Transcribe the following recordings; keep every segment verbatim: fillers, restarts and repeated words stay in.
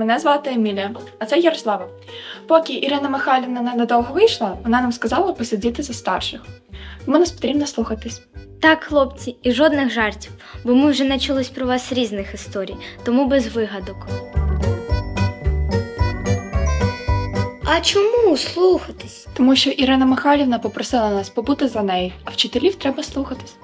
Мене звати Емілія, а це Ярослава. Поки Ірина Михайлівна ненадовго вийшла, вона нам сказала посидіти за старших. Тому нас потрібно слухатись. Так, хлопці, і жодних жартів, бо ми вже начулись про вас різних історій, тому без вигадок. А чому слухатись? Тому що Ірина Михайлівна попросила нас побути за нею, а вчителів треба слухатись.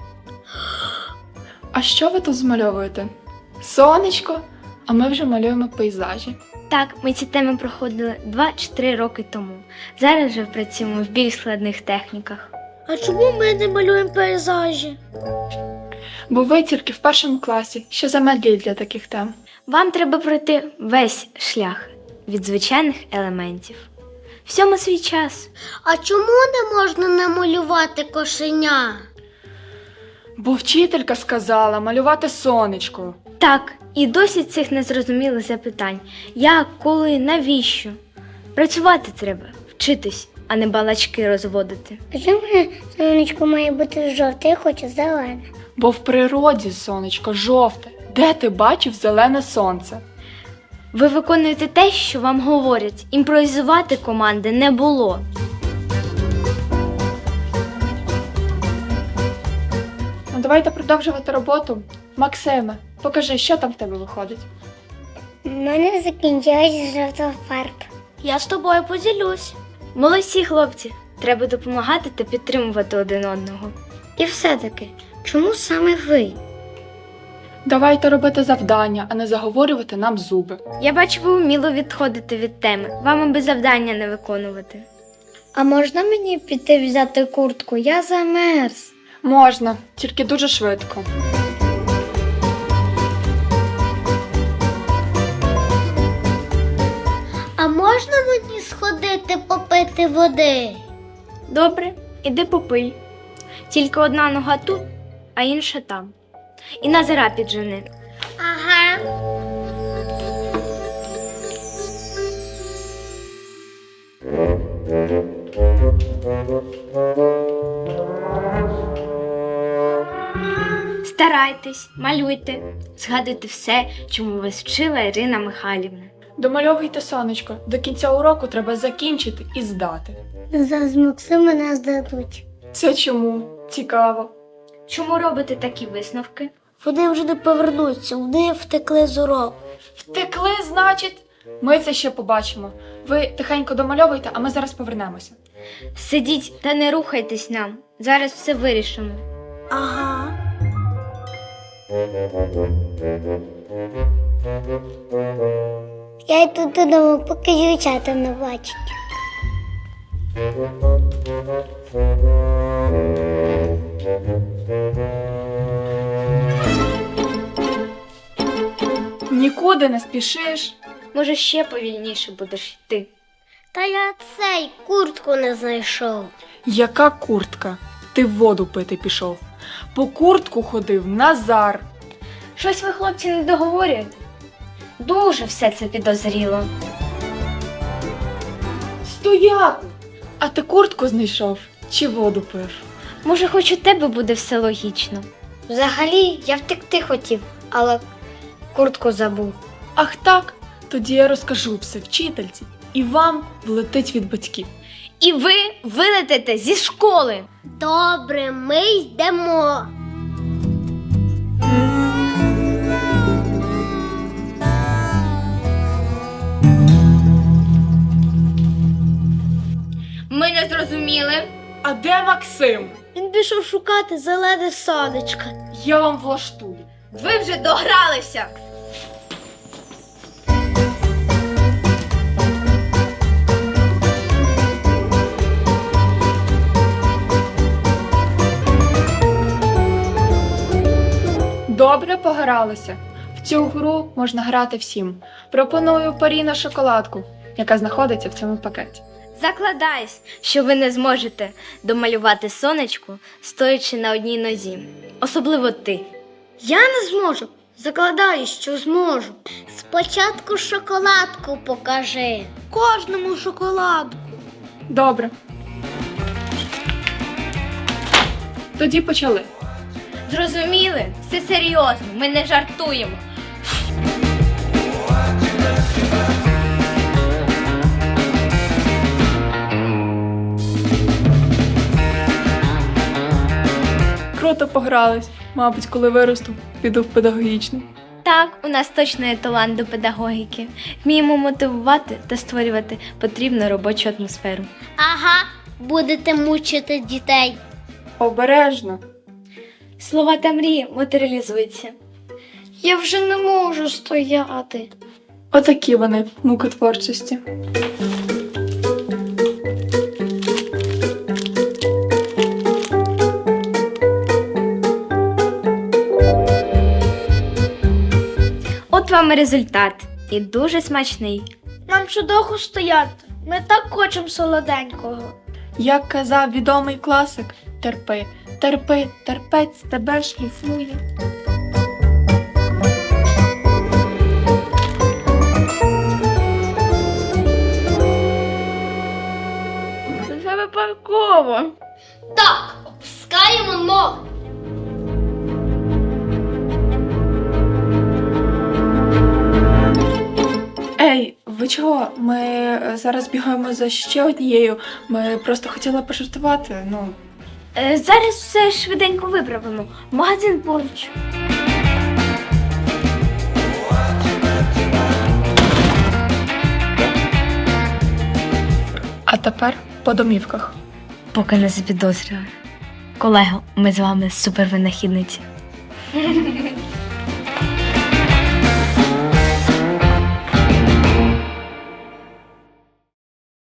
А що ви тут змальовуєте? Сонечко, а ми вже малюємо пейзажі. Так, ми ці теми проходили два чи три роки тому. Зараз же працюємо в більш складних техніках. А чому ми не малюємо пейзажі? Бо ви тільки в першому класі, що замедлі для таких тем. Вам треба пройти весь шлях від звичайних елементів. Всьому свій час. А чому не можна намалювати кошеня? Бо вчителька сказала малювати сонечко. Так, і досить цих незрозумілих запитань. Як, коли, навіщо? Працювати треба, вчитись, а не балачки розводити. А чому сонечко має бути жовте, я хочу зелене? Бо в природі сонечко жовте. Де ти бачив зелене сонце? Ви виконуєте те, що вам говорять. Імпровізувати команди не було. Ну давайте продовжувати роботу. Максиме, покажи, що там в тебе виходить. У мене закінчилась жовта фарба. Я з тобою поділюсь. Молодці, хлопці. Треба допомагати та підтримувати один одного. І все-таки, чому саме ви? Давайте робити завдання, а не заговорювати нам зуби. Я бачу, ви вміло відходите від теми. Вам аби завдання не виконувати. А можна мені піти взяти куртку? Я замерз. Можна, тільки дуже швидко. А можна мені сходити попити води? Добре, іди попий. Тільки одна нога тут, а інша там. І Назира піджени. Ага. Старайтесь, малюйте, згадуйте все, чому вас вчила Ірина Михайлівна. Домальовуйте сонечко. До кінця уроку треба закінчити і здати. Зараз Максима нас дадуть. Це чому? Цікаво. Чому робите такі висновки? Вони вже не повернуться, вони втекли з уроку. Втекли, значить? Ми це ще побачимо. Ви тихенько домальовуйте, а ми зараз повернемося. Сидіть та не рухайтесь нам. Зараз все вирішимо. Ага. Я йду додому, поки дівчата не бачать. Нікуди не спішиш. Може, ще повільніше будеш йти. Та я цей куртку не знайшов. Яка куртка? Ти воду пити пішов. По куртку ходив Назар. Щось ви, хлопці, не договорюєте? Дуже все це підозріло. Стояти! А ти куртку знайшов чи воду пив? Може, хоч у тебе буде все логічно. Взагалі, я втекти хотів, але куртку забув. Ах так? Тоді я розкажу все вчительці, і вам влетить від батьків. І ви вилетите зі школи. Добре, ми йдемо. Ми не зрозуміли. А де Максим? Він пішов шукати зелене сонечко. Я вам влаштую. Ви вже догралися. Добре погралися. В цю гру можна грати всім. Пропоную парі на шоколадку, яка знаходиться в цьому пакеті. Закладаюсь, що ви не зможете домалювати сонечко, стоячи на одній нозі. Особливо ти. Я не зможу. Закладаю, що зможу. Спочатку шоколадку покажи. Кожному шоколадку. Добре. Тоді почали. Зрозуміли? Все серйозно, ми не жартуємо. круто погрались. Мабуть, коли виросту, піду в педагогічний. Так, у нас точно є талант до педагогіки. Вміємо мотивувати та створювати потрібну робочу атмосферу. Ага, будете мучити дітей. Обережно. Слова та мрії матеріалізуються. Я вже не можу стояти. Отакі вони, муки творчості. От вам і результат. І дуже смачний. Нам ще довго стояти. Ми так хочемо солоденького. Як казав відомий класик, терпи, терпи, терпець тебе шліфує. Це випадково. Так, опускаємо ноги. Ей, ви чого? Ми е, зараз бігаємо за ще однією. Ми просто хотіли пожартувати. Ну, Е, зараз все швиденько виправимо. Магазин поруч. а тепер по домівках. Поки не запідозрювали. Колего, ми з вами супервинахідниці.